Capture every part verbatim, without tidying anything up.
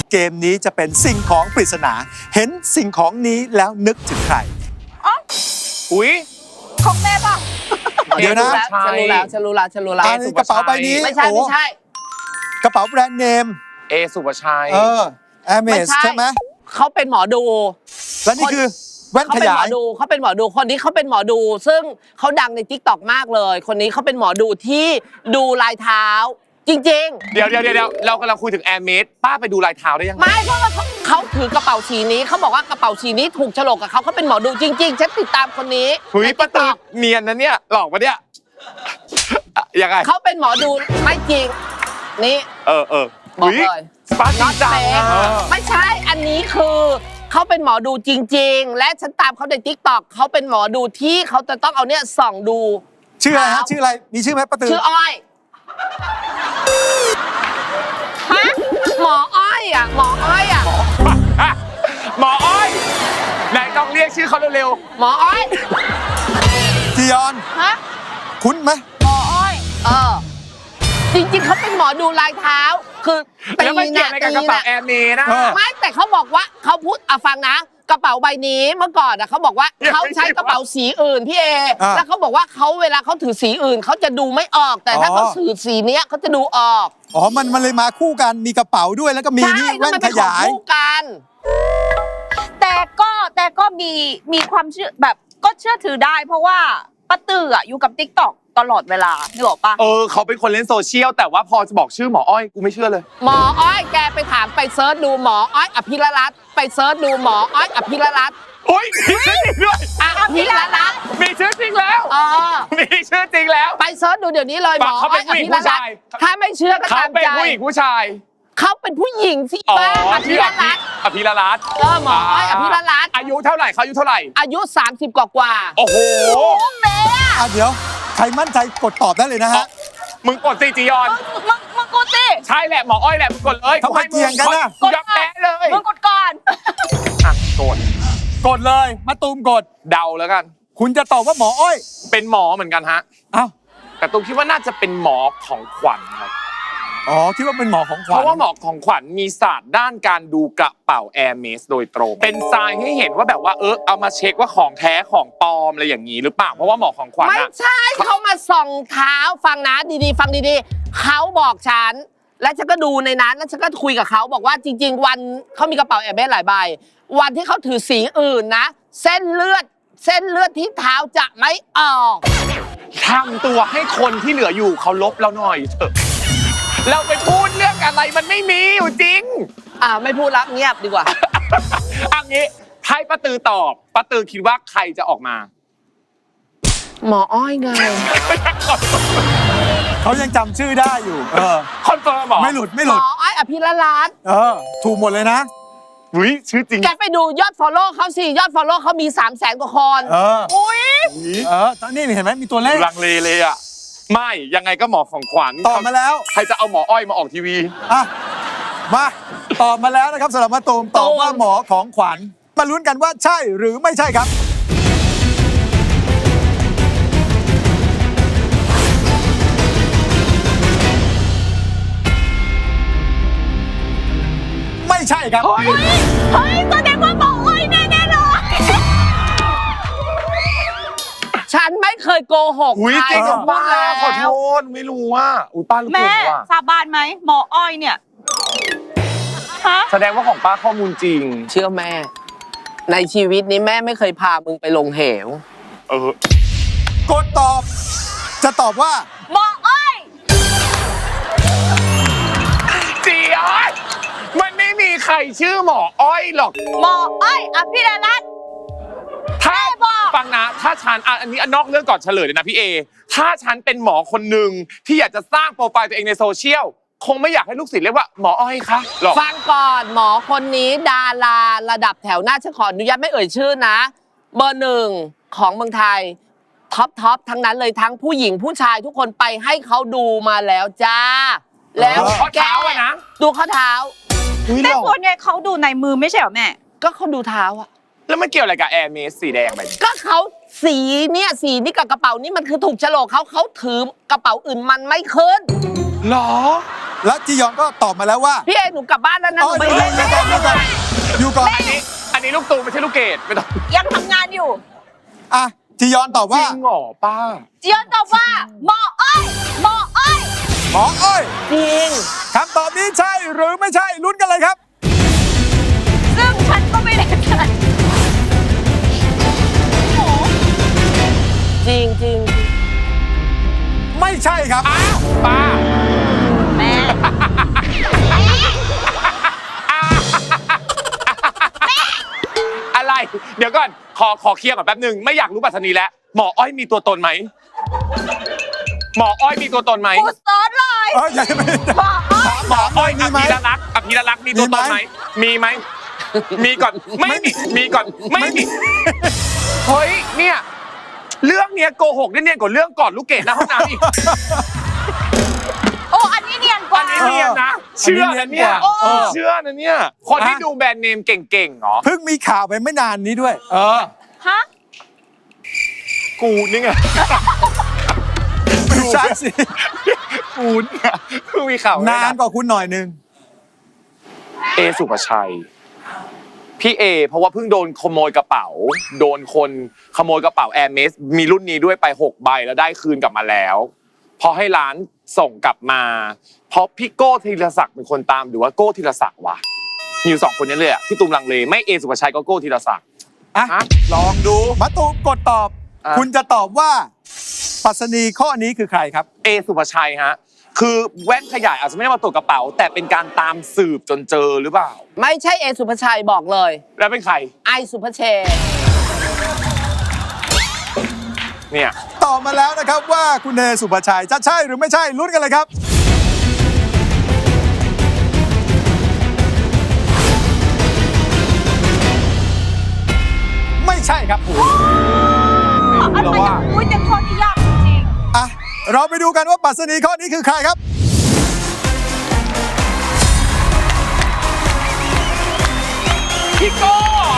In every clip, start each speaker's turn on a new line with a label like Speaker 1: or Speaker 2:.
Speaker 1: เกมนี้จะเป็นสิ่งของปริศนาเห็นสิ่งของนี้แล้วนึกถึงใคร
Speaker 2: อุ้ย
Speaker 3: ของแม่ป่ะ
Speaker 1: เดี๋ยวนะ
Speaker 3: ฉันรู้แล้วฉันรู้แล้วฉันรู้แล้ว
Speaker 1: อันนี้กระเป๋าใบนี้
Speaker 3: ไม่ใช่ไม่ใช่
Speaker 1: กระเป๋าแบรนด์เนม
Speaker 2: เอสุภชัย
Speaker 1: เออแอร์เมสใช่ไหม
Speaker 3: เขาเป็นหมอดู
Speaker 1: และนี่คือแว่นขยาย
Speaker 3: เขาเป็นหมอดูคนนี้เขาเป็นหมอดูซึ่งเขาดังใน ติ๊กต็อก มากเลยคนนี้เขาเป็นหมอดูที่ดูลายเท้าจริงๆ
Speaker 2: เดี๋ยวเดี๋ยวเดี๋ยวเรากำลังคุยถึงแอร์เมสป้าไปดูลายเท้าได้ยังไง
Speaker 3: ไม่เพราะว่าเขาถือกระเป๋าสีนี้เขาบอกว่ากระเป๋าสีนี้ถูกโฉลกกับเขาเขาเป็นหมอดูจริงๆฉันติดตามคนนี้
Speaker 2: หุยป้าตือเนียนนะเนี่ยหลอกปะเนี่ยยังไง
Speaker 3: เขาเป็นหมอดูไม่จริงนี่
Speaker 2: เออเออ
Speaker 3: บอกเลย
Speaker 2: ป้าจริงจัง
Speaker 3: ไม่ใช่อันนี้คือเขาเป็นหมอดูจริงๆและฉันตามเขาใน ติ๊กต็อก เขาเป็นหมอดูที่เขาจะต้องเอาเนี่ยส่องดู
Speaker 1: ชื่ออะไรฮะชื่ออะไรมีชื่อไหมป้าตือ
Speaker 3: ชื่ออ้อยฮะหมออ้อยอ่ะหมออ้อยอ่ะ
Speaker 2: หมออ้อยไหนต้องเรียกชื่อเขาเร็ว
Speaker 3: ๆหมออ้อย
Speaker 1: จียอน
Speaker 3: ฮะ
Speaker 1: คุ้นไหม
Speaker 3: หมออ้อยเออจริงๆเขาเป็นหมอดูลายเท้าคือ
Speaker 2: ตีนะตีนะกระเป๋าแอร์เมสนะ
Speaker 3: ไม่แต่เขาบอกว่าเขาพูดอ่ะฟังนะกระเป๋าใบนี้เมื่อก่อนอ่ะเขาบอกว่าเขาใช้กระเป๋าสีอื่นพี่เอแล้วเขาบอกว่าเขาเวลาเขาถือสีอื่นเขาจะดูไม่ออกแต่ถ้าเขาถือสีเนี้ยเขาจะดูออก
Speaker 1: อ๋อมันมันเลยมาคู่กันมีกระเป๋าด้วยแล้วก็มีนี่แว่นขยาย
Speaker 3: คู่กัน
Speaker 4: แต่ก็แต่ก็มีมีความเชื่อแบบก็เชื่อถือได้เพราะว่าป้าตืออ่ะอยู่กับ ติ๊กต็อก ตลอดเวลานึกออกปะ
Speaker 2: เออเขาเป็นคนเล่นโซเชียลแต่ว่าพอจะบอกชื่อหมออ้อยกูไม่เชื่อเลย
Speaker 3: หมออ้อยแกไปถามไปเซิร์ชดูหมออ้อยอภิรรัตน์ไปเซิร์ชดูหมออ้อยอภิรรัตน์
Speaker 2: โอ้ยมีชื่อจริงด้วย
Speaker 3: อภิรรัตน์
Speaker 2: มีชื่อจริงแล้ว
Speaker 3: เออ
Speaker 2: มีชื่อจริงแล้ว
Speaker 3: ไปเซิร์ชดูเดี๋ยวนี้เลยหมออ้อยอภิรรัตน์ถ้าไม่เชื่อก็ตามใจ
Speaker 2: เขาเป็นผู้หญิงผู้ชาย
Speaker 3: เขาเป็นผู้หญิงสิป้าอภิรรัตน์
Speaker 2: อภิรรัตน์
Speaker 3: เออหมออ้อยอภิรรัตน์
Speaker 2: อายุเท่าไหร่เขาอายุเท่าไหร่
Speaker 3: อายุสามสิบกว่ากว่า
Speaker 2: โอ้โห
Speaker 3: แม่
Speaker 1: อ่ะเดี๋ยวใครมั่นใจกดตอบได้เลยนะฮะ
Speaker 2: มึงกดสิจียอน
Speaker 4: มึงมึงกดสิ
Speaker 2: ใช่แหละหมออ้อยแหละมึงกดเลย
Speaker 1: ทำไมเกี่ยงกันนะ
Speaker 2: กดแพ้เลย
Speaker 4: มึงกดก่อน
Speaker 2: อ่ะกด
Speaker 1: กดเลยมาตูมกด
Speaker 2: เดาแล้วกัน
Speaker 1: คุณจะตอบว่าหมออ้อย
Speaker 2: เป็นหมอเหมือนกันฮะ
Speaker 1: อ้าว
Speaker 2: แต่ตูมคิดว่าน่าจะเป็นหมอของขวัญครับ
Speaker 1: อ๋อคิดว่าเป็นหมอของขวัญ
Speaker 2: เพราะว่าหมอของขวัญมีศาสตร์ด้านการดูกระเป๋าแอร์เมสโดยตรงเป็นทรายให้เห็นว่าแบบว่าเออเอามาเช็คว่าของแท้ของปลอมอะไรอย่างนี้หรือเปล่าเพราะว่าหมอของขวัญ
Speaker 3: ไม่ใช่เขามาส่องเท้าฟังนะดีๆฟังดีๆเขาบอกฉันและฉันก็ดูในนั้นแล้วฉันก็คุยกับเขาบอกว่าจริงๆวันเขามีกระเป๋าแอร์เมสหลายใบวันที่เขาถือสีอื่นนะเส้นเลือดเส้นเลือดที่เท้าจะไม่ออก
Speaker 2: ทำตัวให้คนที่เหลืออยู่เขาลบเราหน่อยเถอะเราไปพูดเรื่องอะไรมันไม่มีอยู่จริง
Speaker 3: อ่าไม่พูดละเงียบดีกว่า
Speaker 2: อันนี้ให้ป้าตือตอบป้าตือคิดว่าใครจะออกมา
Speaker 3: หมออ้อยไง
Speaker 1: เขายังจำชื่อได้อยู่เออ
Speaker 2: คอนเฟิร์มหรอ
Speaker 1: ไม่หลุดไม่หลุด
Speaker 3: หมออ้อยอภิรรัตน์
Speaker 1: เออถูกหมดเลยนะ
Speaker 2: อุ้ยชื่อจริง
Speaker 3: แกไปดูยอดฟอลโล่เขาสิยอดฟอลโล่เขามีสามแสนกว่าคน
Speaker 1: เออ
Speaker 3: อุ้ย
Speaker 1: เออตอนนี้เห็นไหมมีตัวเลข
Speaker 2: ลังเลเลยอ่ะไม่ยังไงก็หมอของขวัญ
Speaker 1: ตอบมาแล้ว
Speaker 2: ใครจะเอาหมออ้อยมาออกทีวี
Speaker 1: อ่ะมาตอบมาแล้วนะครับสำหรับมาตูมตอบว่าหมอของขวัญมาลุ้นกันว่าใช่หรือไม่ใช่ครับไม่ใช่ครับ
Speaker 4: เฮ้ยเฮ้ยแสดงว่าหมออ้อยแน่ๆเลย
Speaker 3: ฉันไม่เคยโกหก
Speaker 2: ใครกับป้าขอโทษไม่รู้ว่าอุ้ยป้ารู้
Speaker 4: แม่สาบานไหมหมออ้อยเนี่ยฮะ
Speaker 2: แสดงว่าของป้าข้อมูลจริง
Speaker 3: เชื่อแม่ในชีวิตนี้แม่ไม่เคยพามึงไปลงเหว
Speaker 2: เออก
Speaker 1: ดตอบจะตอบว่า
Speaker 4: หมออ้อย
Speaker 2: จีอ้อยมันไม่มีใครชื่อหมออ้อยหรอก
Speaker 4: หมออ้อยอภิรรัตน์
Speaker 2: ถ้าฟังนะถ้าฉันอันนี้นอกเรื่องก่อนเฉลยเลยนะพี่เอถ้าฉันเป็นหมอคนหนึ่งที่อยากจะสร้างโปรไฟล์ตัวเองในโซเชียลคงไม่อยากให้ลูกศิษย์เรียกว่าหมออ้อยคะหรอก
Speaker 3: ฟังก่อนหมอคนนี้ดาราระดับแถวหน้าฉันขออนุญาตไม่เอ่ยชื่อนะเบอร์หนึ่งของเมืองไทยท็อปท็อปทั้งนั้นเลยทั้งผู้หญิงผู้ชายทุกคนไปให้เขาดูมาแล้วจ้าแล้ว
Speaker 2: ข้อเท้าอะนะ
Speaker 3: ดูข้อเท้า
Speaker 4: แต่คนเนี่ยเขาดูในมือไม่ใช่เหรอแม่
Speaker 3: ก็เขาดูเท้าอะ
Speaker 2: แล้วมันเกี่ยวอะไรกับแอร์เมสสีแดงไป
Speaker 3: ก็เขาสีเนี่ยสีนี่กับกระเป๋านี่มันคือถูกโฉลกเขาเขาถือกระเป๋าอื่นมันไม่ขึ้น
Speaker 2: หรอ
Speaker 1: และจียอนก็ตอบมาแล้วว่า
Speaker 3: พี่เอหนูกลับบ้านแล้วนะห
Speaker 1: อ๋อ
Speaker 3: นู
Speaker 1: อ
Speaker 3: ไม่
Speaker 1: ยู่
Speaker 3: เล่น
Speaker 1: อยู่ก่อนอยู่ก่อนอยู่ก่อน
Speaker 2: อันนี้อันนี้ลูกตูไม่ใช่ลูกเกดไม่ต้อง
Speaker 4: ยังทำงานอยู่
Speaker 1: อ่ะจียอนตอบ
Speaker 2: จ
Speaker 1: ว่า
Speaker 2: ริงเหรอป้า
Speaker 4: เจียนตอบว่าหมออ้อยหมออ้อย
Speaker 1: หมออ้อย
Speaker 3: จริง
Speaker 1: คำตอบนี้ใช่หรือไม่ใช่ลุ้นกันเลยครับ
Speaker 4: ซึ่งฉันก็ไม่ได้ใจหมอ
Speaker 3: จริงจริง
Speaker 1: ไม่ใช่ครับ
Speaker 2: อ้าวป้า
Speaker 4: แม่
Speaker 2: อะไร เดี๋ยวก่อน ขอขอเคลียร์ก่อนแป๊บหนึ่งไม่อยากรู้ปัสนีแล้ว หมออ้อยมีตัวตนไหม หมออ้อยมีตัวตนไหม
Speaker 4: กูสอนเลย
Speaker 1: เออยังไม่
Speaker 4: หมออ้อย
Speaker 2: หมออ้อย
Speaker 1: มี
Speaker 2: อ
Speaker 1: ไหม
Speaker 2: ภิรลักษ์อภิรลักษ์มีตัวตนไหม มีไหม มีก่อน ไม่มี มีก่อน ไม่มี เฮ้ย เนี่ย เรื่องเนี้ยโกหกได้เนี่ยกว่าเรื่องก่อนลูกเกดหน้าห้องน้ำอีก
Speaker 4: โอ้อันนี้เนียนกว่า
Speaker 2: อันนี้เนียนนะ เชื่อนะเนี่ย
Speaker 1: เออ
Speaker 2: เชื่อนะเนี่ย คนที่ดูแบรนด์เนมเก่งๆเหรอ
Speaker 1: เพิ่งมีข่าวไปไม่นานนี้ด้วย เออ
Speaker 4: ฮะ
Speaker 2: กูนี่ไง
Speaker 1: ไม่ใช่สิ
Speaker 2: กูเนี่ยเพิ่งมีข่าวไว้
Speaker 1: นานกว่าคุณหน่อยนึง
Speaker 2: เอสุภชัย พี่เอ เพราะว่าเพิ่งโดนขโมยกระเป๋า โดนคนขโมยกระเป๋าแอร์เมสมีรุ่นนี้ด้วยไปหกใบแล้วได้คืนกลับมาแล้ว พอให้ร้านส่งกลับมา เพราะพี่โก้ธีรศักดิ์เป็นคนตามหรือว่าโก้ธีรศักดิ์วะมีอยู่สองคนนี้เลยอะที่ตูมลังเลไม่เอสุภชัยก็โก้ธีรศักดิ์
Speaker 1: อ่ะ
Speaker 2: ฮะลองดู
Speaker 1: มาตูมกดตอบ
Speaker 2: อ่ะ คุณ
Speaker 1: จะตอบว่าปรัสนีข้อนี้คือใครครับ
Speaker 2: เอสุภชัยฮะคือแว่นขยายอาจจะไม่ได้มาตรวจกระเป๋า แต่เป็นการตามสืบจนเจอหรือเปล่า
Speaker 3: ไม่ใช่เอสุภชัยบอกเลย
Speaker 2: แล้วเป็นใคร
Speaker 3: ไอสุภเชษ
Speaker 2: เนี่ย
Speaker 1: ตอบมาแล้วนะครับว่าคุณเอสุภชัยจะใช่หรือไม่ใช่ลุ้นกันเลยครับ ไม่ใช่ครับผม
Speaker 4: อันมันยังอุ้ยยังข้อที่ยากจริง
Speaker 1: อ่ะเราไปดูกันว่าปรัสนีข้อนี้คือใครครับ
Speaker 2: พี่โก้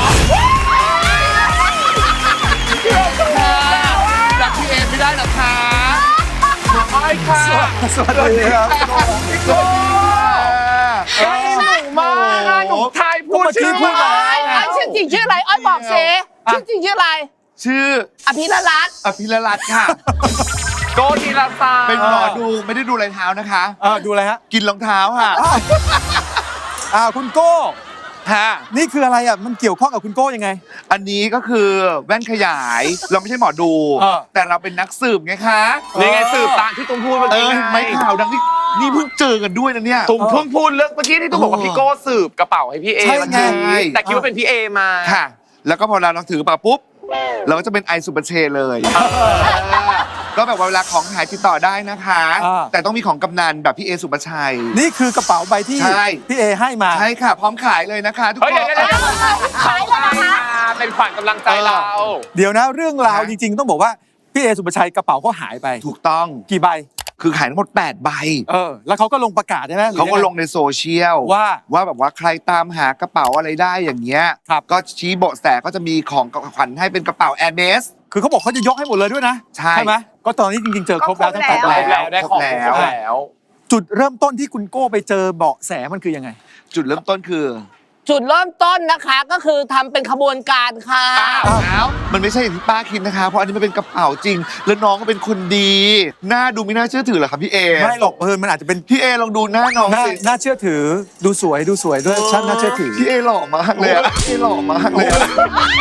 Speaker 2: รักพี่เอไม่ได้หรอคะไม่ค่ะ
Speaker 1: สวัสดีครับ
Speaker 2: พี่โก้ใกล้หนูมากหนูทายพูดชื่อ
Speaker 1: พูดมา
Speaker 3: ไอ้ไอ้ชื่อจริงชื่ออะไรอ้อยบอกเซชื่อจริงชื่ออะไร
Speaker 5: ชื่อ
Speaker 3: อภิรรัตน์
Speaker 5: อภิรรัตน์ค่ะ
Speaker 2: โก้ธีรศักดิ์
Speaker 5: เป็นหมอดูไม่ได้ดูรอยเท้านะคะ
Speaker 1: เออดูอะไรฮะ
Speaker 5: กินรองเท้าค่ะ
Speaker 1: อ่าคุณโก้
Speaker 5: ฮะ
Speaker 1: นี่คืออะไรอ่ะมันเกี่ยวข้องกับคุณโก้ยังไง
Speaker 5: อันนี้ก็คือแว่นขยาย เราไม่ใช่หมอดู
Speaker 1: เออ
Speaker 5: แต่เราเป็นนักสืบไงคะ
Speaker 2: นี่ไงสืบตามที่ตุ้มพูดเมื่อ
Speaker 5: เอ
Speaker 2: กี้
Speaker 5: อ
Speaker 2: ไง
Speaker 5: ไม่ข่าวดังที่นี่เพิ่งเจอกันด้วยนะเนี่ย
Speaker 2: ตุ้มเพิ่งพูดเรื่องเมื่อกี้ที่ตุ้มบอกว่าพี่โก้สืบกระเป๋าให้พี่เอ
Speaker 1: ใช่
Speaker 2: วัน
Speaker 1: ไง
Speaker 2: นี้แต่คิดว่าเป็นพี่เอมา
Speaker 5: ค่ะ แล้วก็พอเราเราถือกระเป๋าปุ๊บ เราก็จะเป็นไอสุปเชเลยเออก็แบบว่าเวลาของหายติดต่อได้นะคะ
Speaker 1: อ่า
Speaker 5: แต่ต้องมีของกำนันแบบพี่เอสุปชัย
Speaker 1: นี่คือกระเป๋าใบที่
Speaker 5: ใช่
Speaker 1: พี่เอให้มา
Speaker 5: ใช่ค่ะ พร้อมขายเลยนะคะทุก
Speaker 2: เฮ้ย
Speaker 5: คน
Speaker 2: เดี๋ยวเดี๋ยวเดี๋ยวเขาให้มาเป็นขวัญกำลังใจเรา
Speaker 1: เดี๋ยวนะเรื่องราว
Speaker 5: ฮะ
Speaker 1: จริง ๆ ต้องบอกว่าพี่เอสุปชัยกระเป๋าเขาหายไป
Speaker 5: ถูกต้อง
Speaker 1: กี่ใบ
Speaker 5: คือขายทั้งหมดแปดใบ
Speaker 1: เออ แล้วเขาก็ลงประกาศใช่ไหมหรือ
Speaker 5: เขาก็
Speaker 1: ยัไ
Speaker 5: ลงในโซเชียล
Speaker 1: ว่า
Speaker 5: ว่าแบบว่าใครตามหากระเป๋าอะไรได้อย่างเงี้ย
Speaker 1: ครับ
Speaker 5: ก็ชี้เบาะแสก็จะมีของขวัญให้เป็นกระเป๋าแอร์เมส
Speaker 1: คือเขาบอกเขาจะยกให้หมดเลยด้วยนะ
Speaker 5: ใช่
Speaker 1: ไหมก็ตอนนี้จริง ๆ เจอครบแล้วทั้งแปด
Speaker 5: คร
Speaker 1: ใบ
Speaker 5: บ
Speaker 2: แล้วได้ของ
Speaker 5: ครบแล้ว
Speaker 2: ครบแล้ว
Speaker 1: จุดเริ่มต้นที่คุณโก้ไปเจอเบาะแสมันคือยังไง
Speaker 5: จุดเริ่มต้นคือ
Speaker 3: จุดเริ่มต้นนะคะก็คือทำเป็นขบวนการค่ะ
Speaker 5: อ้าวมันไม่ใช่อย่างที่ป้าคิดนะคะ เพราะอันนี้มันเป็นกระเป๋าจริง แล้วน้องก็เป็นคนดีหน้าดูไม่น่าเชื่อถือเหรอครับพี่เอ
Speaker 1: ไม่หรอกเออมันอาจจะเป็น
Speaker 5: พี่เอลองดูหน้าน้อง
Speaker 1: น่า
Speaker 5: สิ
Speaker 1: น่าเชื่อถือดูสวยดูสวยด้วยชั้นน่าเชื่อถือ
Speaker 5: พี่เอหล่อมากเลยอะพี่เอหล่อมากเลยอะ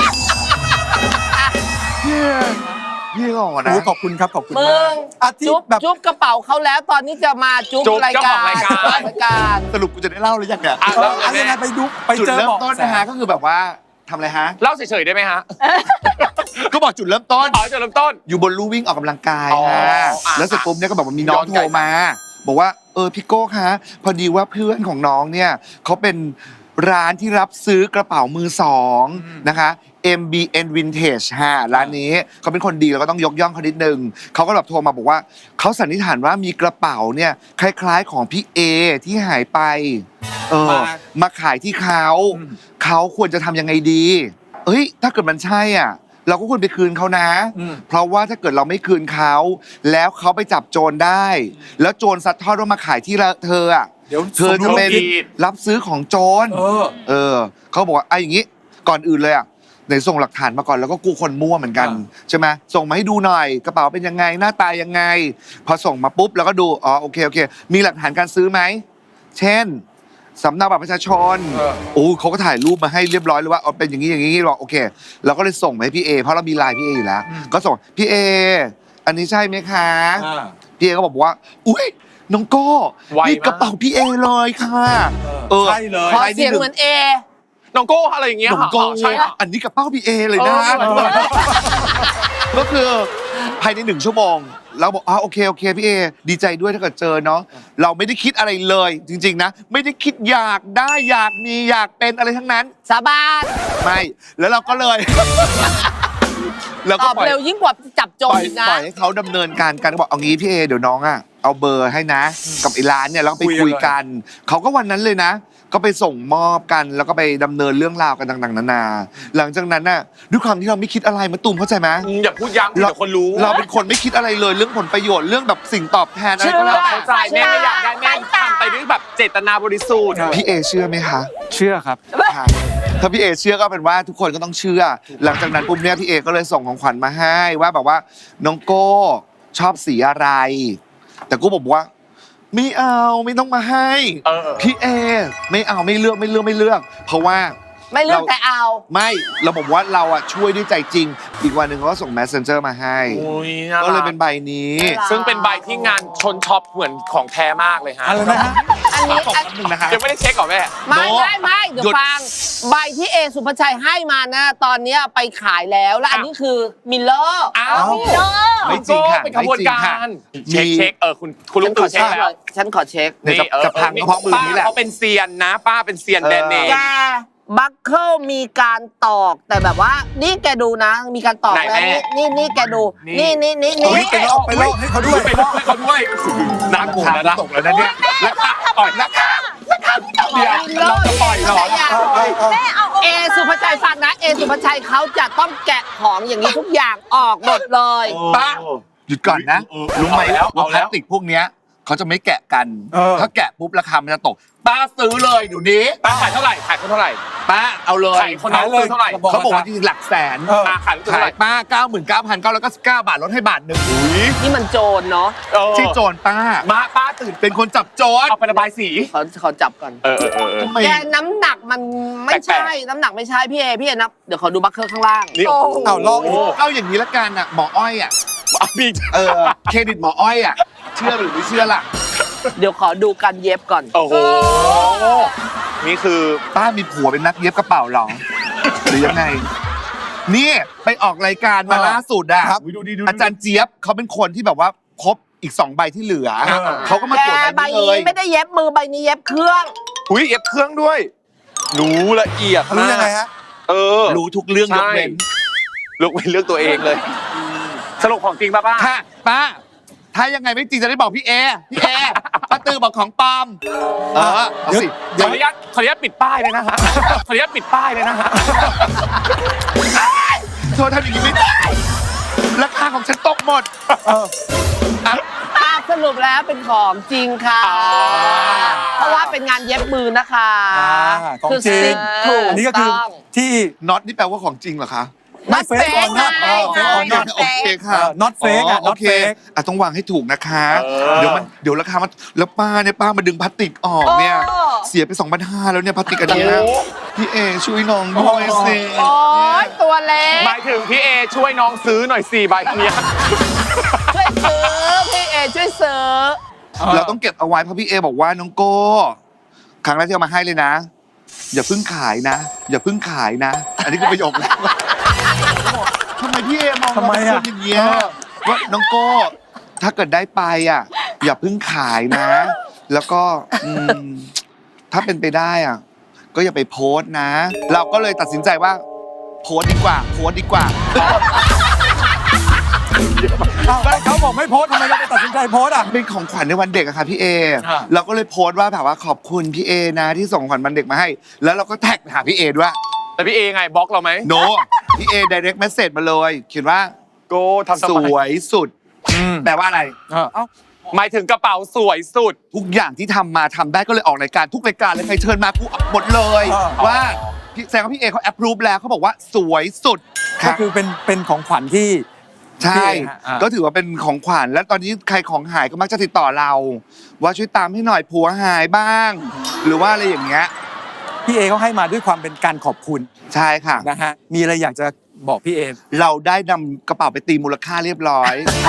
Speaker 5: พี่เอพี่เอหล่อนะ
Speaker 1: โอ้ขอบคุณครับขอบคุณ
Speaker 3: มึ
Speaker 1: มาก
Speaker 3: ง
Speaker 1: อาทิต
Speaker 3: จุ๊บ
Speaker 1: ย์แบบ
Speaker 3: จุ๊บกระเป๋าเขาแล้วตอนนี้จะมาจุ๊บ
Speaker 2: จุ๊บ
Speaker 3: ราย
Speaker 2: เจ้า
Speaker 3: กา
Speaker 2: ของ
Speaker 3: ร
Speaker 2: รายการ
Speaker 3: รายการ
Speaker 5: สรุปกูจะได้เล่าหรือยังเนี่ย
Speaker 2: อ่ะ
Speaker 1: เอออะไรนะไปดูไป
Speaker 5: จุด
Speaker 1: เจอ
Speaker 5: เริ่ม
Speaker 1: เบาะ
Speaker 5: ต้น
Speaker 1: แส
Speaker 5: นะฮะก็คือแบบว่าทำอะไรฮะ
Speaker 2: เล่าเฉยๆได้ไหมฮะ
Speaker 5: ก็บอกจุดเริ่มต้น
Speaker 2: อ๋อจุดเริ่มต้น
Speaker 5: อยู่บนลู่วิ่งออกกำลังกาย
Speaker 2: อ๋อ
Speaker 5: ฮะ
Speaker 2: อ่ะ
Speaker 5: แล้วเสร็จปุ๊บเนี่ยก็บอกว่ามีน้อง
Speaker 2: ย้อน
Speaker 5: โท
Speaker 2: กลั
Speaker 5: ร
Speaker 2: บ
Speaker 5: มา บอกว่าเออพี่โก้คะพอดีว่าเพื่อนของน้องเนี่ยเขาเป็นร้านที่รับซื้อกระเป๋ามือสองนะคะ เอ็ม บี เอ็น Vintage ฮะร้านนี้เขาเป็นคนดีแล้วก็ต้องยกย่องเขานิดนึงเขาก็แบบโทรมาบอกว่าเขาสันนิษฐานว่ามีกระเป๋าเนี่ยคล้ายๆของพี่เอที่หายไปเออ
Speaker 1: มา
Speaker 5: มาขายที่เขาเขาควรจะทำยังไงดี เอ้ยถ้าเกิดมันใช่อ่ะเราก็ควรไปคืนเขานะ
Speaker 1: อืม
Speaker 5: เพราะว่าถ้าเกิดเราไม่คืนเขาแล้วเขาไปจับโจรได้ แล้วโจรซัดทอดว่ามาขายที่เธออ่ะ
Speaker 1: เดี๋ยว
Speaker 5: เธอจะเป็น
Speaker 2: สมรู้ผิด
Speaker 5: รับซื้อของโจร
Speaker 1: เออ
Speaker 5: เออเขาบอกว่าไอ้อย่างงี้ก่อนอื่นเลยอ่ะไหนส่งหลักฐานมาก่อนแล้วก็กูคนมั่วเหมือนกัน
Speaker 1: อ่า
Speaker 5: ใช่ไหมส่งมาให้ดูหน่อยกระเป๋าเป็นยังไงหน้าตายังไง พอส่งมาปุ๊บแล้วก็ดูอ๋อโอเคโอเค มีหลักฐานการซื้อไหมเช่นสำเนาบัตรประชาชน
Speaker 1: เออ
Speaker 5: โอ้เขาก็ถ่ายรูปมาให้เรียบร้อยเลยว่าเอาเป็นอย่างนี้อย่างนี้หรอกโอเคเราก็เลยส่งไปให้พี่เอเพราะเรามีไลน์พี่เออยู่แล้ว ก็ส่งพี่เออันนี้ใช่ไหมคะ
Speaker 1: อ่า
Speaker 5: พี่เอก็บอกว่าอุ้ยน้องโก้
Speaker 2: ไวมาก
Speaker 5: นี่กระเป๋าพี่เอเลยค่ะเออ
Speaker 1: ใช่เลย
Speaker 3: ขอเสียงเหมือนเอ
Speaker 2: น้องโก้อะไรอย่างเงี้ย
Speaker 5: น้องโก้
Speaker 2: ใช่ค่ะ
Speaker 5: อันนี้กระเป๋าพี่เอเลยนะ
Speaker 2: เออ
Speaker 5: ก็คือภายในหนึ่งชั่วโมงเราบอกอ๋อโอเคโอเคพี่เอดีใจด้วยถ้าเกิดเจอเนาะเราไม่ได้คิดอะไรเลย จริง ๆ นะ ไม่ได้คิดอยากได้อยากมีอยากเป็นอะไรทั้งนั้น
Speaker 3: สาบาน
Speaker 5: ไม่ แล้วเราก็เลย เรา
Speaker 3: ต
Speaker 5: ก็
Speaker 3: อบ
Speaker 5: ปล่อย
Speaker 3: เร็วยิ่งกว่าจับโจ
Speaker 5: ป
Speaker 3: ร
Speaker 5: ล่อย
Speaker 3: อีกนะ
Speaker 5: ปล่อยให้เขาดำเนินการกันบอกเอางี้พี่เอเดี๋ยวน้องอ่ะเอาเบอร์ให้นะ กับไอ้ร้านเนี่ยแล้วก็ไป
Speaker 1: คุ
Speaker 5: คุ
Speaker 1: ย
Speaker 5: ย
Speaker 1: กัน
Speaker 5: กัน เขาก็วันนั้นเลยนะ ก็ไปส่งมอบกันแล้วก็ไปดำเนินเรื่องราวกันต่างๆนานา หลังจากนั้นน่ะด้วยความที่เราไม่คิดอะไรมาตุ่มเข้าใจไหม
Speaker 2: อืมอย่าพูดย้ำเดี๋ยวคนรู้
Speaker 5: เราเป็นคนไม่คิดอะไรเลยเรื่องผลประโยชน์เรื่องแบบสิ่งตอบแทนอะไร
Speaker 2: เชื่อ
Speaker 5: ก็แล้วแต่
Speaker 2: เข้าใจแม่ไม่อยากได้แม่ทำไปด้วยแบบเจตนาบริสุทธิ์
Speaker 5: พี่เอเชื่อไหมคะ
Speaker 1: เชื่อครับ
Speaker 5: ค่ะถ้าพี่เอเชื่อก็เป็นว่าทุกคนก็ต้องเชื่อ หลังจากนั้นปุ๊บเนี่ยพี่เอก็เลยส่งของขวัญมาให้ว่าแบบว่าน้องโก้ชอบสีอะไร แต่กูบอกว่าไม่เอาไม่ต้องมาให้
Speaker 2: เออ
Speaker 5: พี่เอไม่เอาไม่เลือกไม่เลือกไม่เลือก เพราะว่า
Speaker 3: ไม่เลือกแต่เอา
Speaker 5: ไม่เราบอกว่าเราอะช่วยด้วยใจจริง อีกวันหนึ่งเขาก็ส่ง messenger มาให้
Speaker 2: อุ้ยน่า
Speaker 5: ก็เลย
Speaker 2: รัก
Speaker 5: เป็นใบนี้
Speaker 3: น่ารัก
Speaker 2: ซึ่งเป็นใบที่งานชนช็อปเหมือนของแท้มากเลยฮะ
Speaker 1: อะไรนะฮะ
Speaker 3: อันนี้
Speaker 5: ขอบ
Speaker 3: อัน
Speaker 5: คุณหนึ่งนะคะ
Speaker 2: ยังไม่ได้เช็คก่อนแม่
Speaker 3: ไม่
Speaker 5: โน้
Speaker 3: ไม่ไม่เดี๋ย
Speaker 5: หยุ
Speaker 3: ว
Speaker 5: ด
Speaker 3: ฟัง ใบที่เอสุภาชัยให้มานะ ตอนเนี้ยไปขายแล้วและอันนี้คือมิลเลอร์
Speaker 2: อ้าว
Speaker 3: มิลเลอร์
Speaker 5: ไม่จริงค่ะ
Speaker 2: เป็นขบวนกา
Speaker 5: ไม่จริงค่ะ
Speaker 2: ร เช็ค
Speaker 5: มี
Speaker 2: เช็คเออคุณคุณ
Speaker 3: ฉั
Speaker 2: ลุ
Speaker 3: น
Speaker 2: ง
Speaker 3: ข
Speaker 2: ตู่
Speaker 3: อ
Speaker 2: เช็
Speaker 3: เช็
Speaker 2: ค
Speaker 3: ค
Speaker 2: แล้ว
Speaker 3: ฉันขอเช็ค
Speaker 5: เนี่ยจะ
Speaker 2: ออ
Speaker 5: จะพัง
Speaker 2: ออ
Speaker 5: เพราะมือนี้แหละ
Speaker 2: ป้าเขาเป็นเซียนนะ ป้าเป็นเซียนแบรนด์เนม
Speaker 3: แกบัคเคิลมีการตอกแต่แบบว่า นี่แกดูนะ มีการตอก
Speaker 2: ไหน
Speaker 3: แล้ว
Speaker 2: แม่
Speaker 3: นี่นี่นี่แกดู
Speaker 2: นี่
Speaker 3: นี่นี่นี่
Speaker 1: เอา
Speaker 3: นี่
Speaker 1: ไปลอกไปลอกให้เขาด้วย
Speaker 2: ไปลอกให้เขาด้วยนักหมูนะนะ
Speaker 5: ตกแล้วนะเนี่ย
Speaker 2: ราคาอ่อยราคาเดี๋ยวเราจะปล่อยเหรอ
Speaker 4: แม่เอา
Speaker 3: เอสุภาชัยฟังนะ เอสุภาชัยเขาจะต้องแกะของอย่างนี้ทุกอย่างออกหมดเลย
Speaker 2: ป้า
Speaker 5: หยุดก่อนนะ
Speaker 2: เออ
Speaker 5: รู้ไหม
Speaker 2: เอาแล้ว
Speaker 5: ว่า
Speaker 2: เอา
Speaker 5: พ
Speaker 2: แล้
Speaker 5: ลาว สติกพวกเนี้ยเขาจะไม่แกะกัน
Speaker 1: เออ
Speaker 5: ถ้าแกะปุ๊บราคามันจะตก ป้าซื้อเลยเดี๋ยวนี้
Speaker 2: ป้าขายเท่าไหร่ขายเขาเท่าไหร่
Speaker 5: ป้าเอาเลย
Speaker 2: ขายคนนั้นซื้อเท่าไหร่
Speaker 1: บอก
Speaker 5: เขาบอกว่าจริงๆหลักแสน
Speaker 1: เออ
Speaker 2: ป้าขายรู้เท่า
Speaker 5: ขา
Speaker 2: ไหร่
Speaker 5: ยป้า เก้าหมื่นเก้าพันเก้าร้อยเก้าสิบเก้า บาทลดให้บาทหนึ่ง
Speaker 3: นี่มันโจรเนาะ
Speaker 2: เออ
Speaker 5: ที่โจรป้า
Speaker 2: มาป้าตื่น
Speaker 5: เป็นคนจับโจร
Speaker 2: เอาไประบายสี
Speaker 3: ขอขอจับก่อน
Speaker 2: เออเออเออเออ
Speaker 5: ทำไม
Speaker 3: แกน้ำหนักมันไม่ใช่
Speaker 2: แปลก
Speaker 3: น้ำหนักไม่ใช่พี่เอพี่เอนับเดี๋ยวขอดูบัคเคิลข้างล่าง
Speaker 2: นี่โอ้โห
Speaker 1: เอาลอกอีก
Speaker 5: เอาอย่างนี้ละกันอ่ะหมออ้อยอ่ะ
Speaker 2: เอามี
Speaker 5: เออเครดิตหมออ้อยอ่ะเชื่อหรือไม่เชื่อล่ะ
Speaker 3: เดี๋ยวขอดูการเย็บก่อน
Speaker 2: โอ้โหนี่คือ
Speaker 5: ป้ามีผัวเป็นนักเย็บกระเป๋าเหรอหรือยังไง นี่ไปออกรายการมา
Speaker 1: เออ
Speaker 5: ล่าสุดอะ
Speaker 1: ครับ
Speaker 2: ดูดีดู
Speaker 5: อาจารย์เจี๊ยบเขาเป็นคนที่แบบว่าครบอีกสองใบที่เหลือ
Speaker 1: เออ
Speaker 5: เขาก็มา
Speaker 3: แก
Speaker 5: ตรวจใบ
Speaker 3: ใบ
Speaker 5: นี้เล
Speaker 3: นี้
Speaker 5: ย
Speaker 3: ไม่ได้เย็บมือใบนี้เย็บเครื่อง
Speaker 2: อุ้ยเอฟเครื่องด้วยรู้ละเอียด
Speaker 1: รู้
Speaker 2: มาก
Speaker 1: ยังไงฮะ
Speaker 2: เออ
Speaker 5: รู้ทุกเรื่องย
Speaker 2: ใช่
Speaker 5: กเว้น
Speaker 2: เลือกเป็นเลือกตัวเองเลย สรุปของจริงป่ะป้า
Speaker 5: ค่ะป้า ถ้ายังไงไม่จริงจะได้บอกพี่เอพี่เอป้าตือบอกของปลอมเออเอาสิ
Speaker 2: ข
Speaker 5: เดี๋
Speaker 2: อ
Speaker 5: ยว
Speaker 2: อนุญาตขออนุญาตปิดป้ายเลยนะฮะขออนุญาตปิดป้ายเลยนะฮะ
Speaker 5: เธอทำอย่างนี้ไม่ได้ราคาของฉันตกหมด
Speaker 1: เออ
Speaker 5: อ่ะ
Speaker 3: ตาสรุปแล้วเป็นของจริงค่ะ
Speaker 2: อ่า
Speaker 3: เพราะว่าเป็นงานเย็บมือนะคะ
Speaker 1: อ่าของจริง
Speaker 3: ถูก
Speaker 1: อันนี้ก็คือ
Speaker 3: ต้อง
Speaker 1: ที่
Speaker 5: น็อตนี่แปลว่าของจริงเหรอคะ
Speaker 1: not fake or not เออ fake or not
Speaker 5: โอเคค่ะ
Speaker 1: เออ not fake อ่ะ
Speaker 5: โอ
Speaker 1: not
Speaker 5: เค
Speaker 1: fake
Speaker 5: อ่ะต้องวางให้ถูกนะคะ
Speaker 2: เออ
Speaker 5: เดี๋ยวมันเดี๋ยวราคามันแล้วป้าเนี่ยป้ามาดึงพลาสติกออกเนี่ย
Speaker 4: โอ้
Speaker 5: เสียไปสองพันห้าแล้วเนี่ยพลาสติกอันเนี้ยพี่เอช่วยน้องด้วยสิ
Speaker 3: โอ้ยตัวเล็ก
Speaker 2: หมายถึงพี่เอช่วยน้องซื้อหน่อยสี่ใบเนี้ย
Speaker 3: ช่วยซื้อพี่เอช่วยซื้อ
Speaker 5: เราต้องเก็บเอาไว้เพราะพี่เอบอกว่าน้องโก้ครั้งแรกที่เอามาให้เลยนะ อย่าเพิ่งขายนะ อย่าเพิ่งขายนะ อันนี้คือประโยคแรกทำไมพี่เอมอง
Speaker 1: ทำไม
Speaker 5: เรา
Speaker 1: อะ
Speaker 5: เป็นคนอย่างเงี้ยว่าน้องโก้ถ้าเกิดได้ไปอ่ะ อย่าเพิ่งขายนะ แล้วก็อืมถ้าเป็นไปได้อ่ะ ก็อย่าไปโพสต์นะ เราก็เลยตัดสินใจว่า โพสต์ดีกว่า โพสต์ดีกว่า
Speaker 1: อ้าวเขาบอกไม่โพสต์ทำไมเราไปตัดสินใจโพสต์อ่ะ
Speaker 5: เป็นของขวัญในวันเด็กอะค่ะพี่เอ
Speaker 1: อ่า
Speaker 5: เราก็เลยโพสต์ว่าแบบว่าขอบคุณพี่เอนะที่ส่งของขวัญวันเด็กมาให้ แล้วเราก็แท็กไปหาพี่เอด้วย
Speaker 2: แต่พี่เอไงบล็อกเราไหม
Speaker 5: โนพี่เอ direct message มาเลยเขียนว่า
Speaker 2: โก้ทำ
Speaker 5: ส
Speaker 2: ทำไม
Speaker 5: วยสุด
Speaker 1: อืม
Speaker 5: แปลว่าอะไร
Speaker 1: เออเอ้า
Speaker 2: หมายถึงกระเป๋าสวยสุด
Speaker 5: ทุกอย่างที่ทำมาทำได้ก็เลยออกรายการทุกรายการเลยใครเชิญมากูหมดเลย
Speaker 1: อ๋อ
Speaker 5: ว่าพี่แสดงว่าพี่เอเขา approve แล้วเขาบอกว่าสวยสุด
Speaker 1: ก็คือเป็นเป็นของขวัญที่
Speaker 5: ใช่
Speaker 1: พี่เอฮะอ่า
Speaker 5: ก็ถือว่าเป็นของขวัญและตอนนี้ใครของหายก็มักจะติดต่อเรา ว่าช่วยตามให้หน่อยผัวหายบ้าง หรือว่าอะไรอย่างเงี้ย
Speaker 1: พี่เอเขาให้มาด้วยความเป็นการขอบคุณ
Speaker 5: ใช่ค่ะ
Speaker 1: นะฮะมีอะไรอยากจะบอกพี่เอ
Speaker 5: เราได้นำกระเป๋าไปตีมูลค่าเรียบร้อย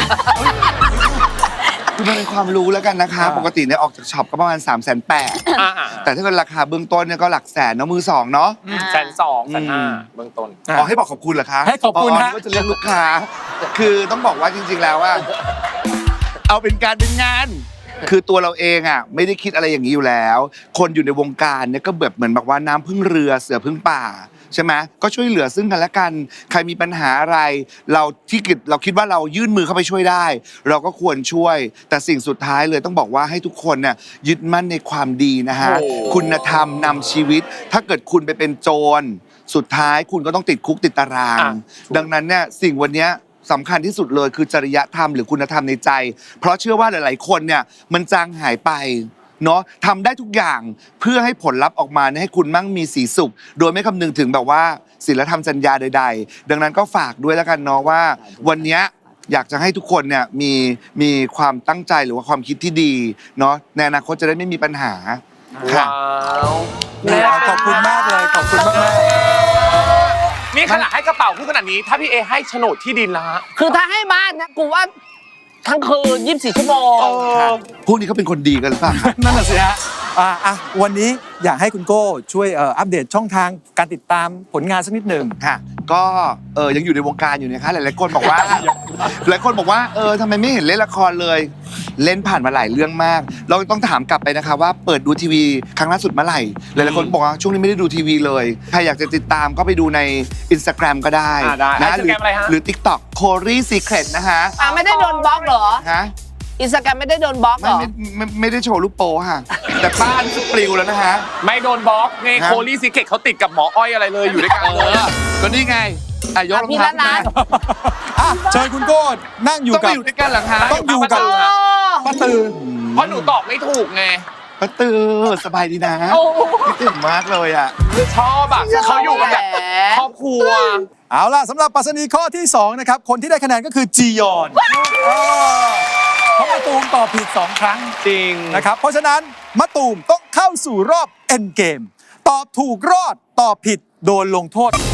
Speaker 5: คือมันเป็นความรู้แล้วกันนะคะ
Speaker 1: อ่า
Speaker 5: ปกติเนี่ยออกจากช็อปก็ประมาณ3ามแสนแปด
Speaker 2: อ่า
Speaker 5: แต่ถ้าเกิดราคาเบื้องต้นเนี่ยก็หลักแสนเนาะมือสองเนาะ
Speaker 2: แสนสองแสนห้า
Speaker 5: อืม
Speaker 2: เบื้องต้น
Speaker 1: อ่ะ
Speaker 5: อ๋อให้บอกขอบคุณเหรอคะ
Speaker 1: ให้ขอบคุณฮะ
Speaker 5: นึกว่าจะเรียกลูกค้า คือต้องบอกว่าจริง ๆ แล้วว่า เอาเป็นการเป็นงาน คือตัวเราเองอ่ะไม่ได้คิดอะไรอย่างนี้อยู่แล้ว คนอยู่ในวงการเนี่ยก็แบบเหมือนแบบว่าน้ำพึ่งเรือเสือพึ่งป่าใช่ไหมก็ช่วยเหลือซึ่งกันและกัน ใครมีปัญหาอะไร เราที่คิดเราคิดว่าเรายื่นมือเข้าไปช่วยได้ เราก็ควรช่วย แต่สิ่งสุดท้ายเลยต้องบอกว่าให้ทุกคนเนี่ยยึดมั่นในความดีนะฮะ
Speaker 2: โอ้
Speaker 5: คุณธรรมนำชีวิต ถ้าเกิดคุณไปเป็นโจรสุดท้ายคุณก็ต้องติดคุกติดตาราง
Speaker 2: อ่ะ
Speaker 5: ดังนั้นเนี่ยสิ่งวันเนี้ยสำคัญที่สุดเลยคือจริยธรรมหรือคุณธรรมในใจ เพราะเชื่อว่าหลาย ๆ คนเนี่ยมันจางหายไปเนาะทำได้ทุกอย่างเพื่อให้ผลลัพธ์ออกมาเนี่ยให้คุณมั่งมีสีสุข โดยไม่คำนึงถึงแบบว่าศีลธรรมจรรยาใด ๆ ดังนั้นก็ฝากด้วยแล้วกันเนาะว่า วันเนี้ยอยากจะให้ทุกคนเนี่ยมีมีความตั้งใจหรือว่าความคิดที่ดีเนาะในอนาคตจะได้ไม่มีปัญหาค่ะ
Speaker 2: ว้าว
Speaker 1: ขอบคุณมากเลยขอบคุณมากมาก
Speaker 2: นี่ขนาดให้กระเป๋าพูดขนาดนี้ ถ้าพี่เอให้โฉนดที่ดินละฮะ
Speaker 3: คือถ้าให้บ้านนะกูว่าทั้งคืนยี่สิบสี่ชั่วโมง
Speaker 5: พวกนี้เขาเป็นคนดีกันหรือเปล่า
Speaker 1: นั่นแหละสิฮะอ่ะอ่ะวันนี้อยากให้คุณโก้ช่วยเอ่ออัปเดตช่องทางการติดตามผลงานสักนิดหนึ่ง
Speaker 5: ค่ะ ก็เออยังอยู่ในวงการอยู่นะคะหลายๆคนบอกว่า หลายคนบอกว่าเออทำไมไม่เห็นเล่นละครเลย เล่นผ่านมาหลายเรื่องมาก เราต้องถามกลับไปนะคะว่าเปิดดูทีวีครั้งล่าสุดเมื่อไหร่หลายๆคนบอกว่าช่วงนี้ไม่ได้ดูทีวีเลยใครอยากจะติดตามก็ไปดูใน Instagram ก็ได้
Speaker 2: อ่าได้
Speaker 5: นะ
Speaker 2: Instagram อะไรฮะ
Speaker 5: หรือ TikTok c o r y Secret นะคะ
Speaker 3: อ่ะไม่ได้โดนบล็อกเหรอ
Speaker 5: ฮะ
Speaker 3: อินสตาแกรมไม่ได้โดนบล็อกเห
Speaker 5: ไม่
Speaker 3: รอ
Speaker 5: ไม่ไม่ไม่ได้โชว์รูปโป้ค่ะ แต่บ้านปลิวแล้วนะคะ
Speaker 2: ไม่โดนบล็อกไง
Speaker 5: ฮะ
Speaker 2: โคลี่ซิเกตเขาติดกับหมออ้อยอะไรเลยอยู่ด้วยกันเลย
Speaker 5: ก็นี่ไงอ่ะยกรอง
Speaker 3: พี่
Speaker 5: เท้า
Speaker 3: ละ
Speaker 5: ขึ้น
Speaker 3: ล้า
Speaker 5: มา
Speaker 1: อ่ะเชิญคุณโก้นั่งอยู่
Speaker 5: ต้อง
Speaker 1: กั
Speaker 5: ไป
Speaker 1: บ
Speaker 5: อยู่ด้วยกันเหรอคะ
Speaker 1: ต้องอยู่กับ
Speaker 3: โอ้
Speaker 1: ป้าตือ
Speaker 2: เพราะหนูตอบไม่ถูกไง
Speaker 5: ป้าตือสบายดีนะคิดถึงมากเลยอ่ะ
Speaker 2: ชอบอ่ะเขาอยู่กันแบบครอบครัว
Speaker 1: เอาล่ะสำหรับปรัชนีข้อที่สองนะครับคนที่ได้คะแนนก็คือจียอนเออเพราะมะตูมตอบผิดสองครั้ง
Speaker 2: จริง
Speaker 1: นะครับเพราะฉะนั้นมะตูมต้องเข้าสู่รอบเอ็นเกมตอบถูกรอดตอบผิดโดนลงโทษ